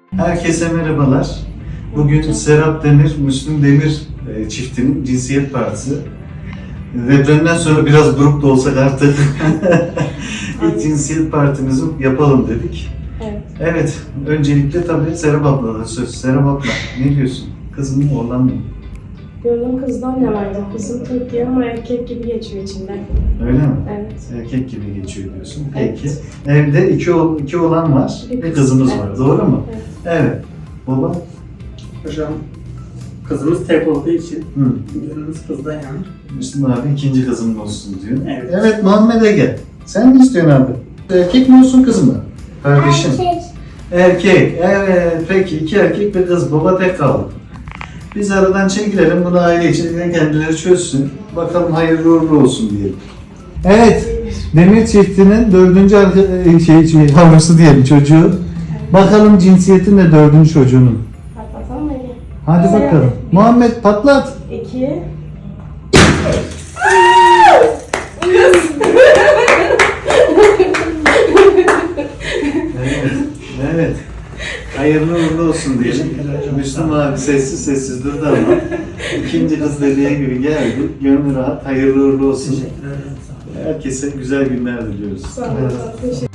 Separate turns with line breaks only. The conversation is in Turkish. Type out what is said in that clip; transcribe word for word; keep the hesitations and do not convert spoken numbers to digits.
Herkese merhabalar. Bugün Serap Demir, Müslüm Demir e, çiftinin cinsiyet partisi. Depremden sonra biraz grup da olsak artık ilk cinsiyet partimizi yapalım dedik.
Evet.
Evet, öncelikle tabii Serap abla'da söz. Serap abla, ne diyorsun? Kız mı, oğlan mı?
Gönlüm kızdan ne vardı? Kızım tek diye ama erkek gibi geçiyor içinden.
Öyle mi?
Evet.
Erkek gibi geçiyor diyorsun.
Evet.
Peki. Evde iki, oğ iki oğlan var,
Bir
bir
kız.
kızımız
Evet.
var. Doğru mu?
Evet.
Evet. Baba?
Hocam kızımız tek olduğu için
Hı.
gönlümüz kızdan yanar.
Müslüm abi ikinci kızım olsun diyor.
Evet.
Evet Muhammed Ege. Sen ne istiyorsun abi? Erkek mi olsun kız mı? Kardeşim.
Erkek.
Erkek. Evet. Peki iki erkek bir kız. Baba tek kaldı. Biz aradan çekilelim. Bunu aile içinde kendileri çözsün. Bakalım hayırlı uğurlu olsun diyelim. Evet. Demir çiftinin dördüncü arka, şey, şey, yavrusu diyelim çocuğu. Bakalım cinsiyetin de dördüncü çocuğunun.
Patlatalım mı Ege?
Hadi
Sen
bakalım.
hadi.
Muhammed patlat.
İki.
Evet, evet. Hayırlı uğurlu olsun diyelim. Müslüm abi sessiz sessiz durdu ama ikinci kız dediği gibi geldi. Gönlü rahat, hayırlı uğurlu olsun.
Teşekkür ederim. Sağ olun.
Herkese güzel günler diliyoruz.
Sağ olun. Teşekkür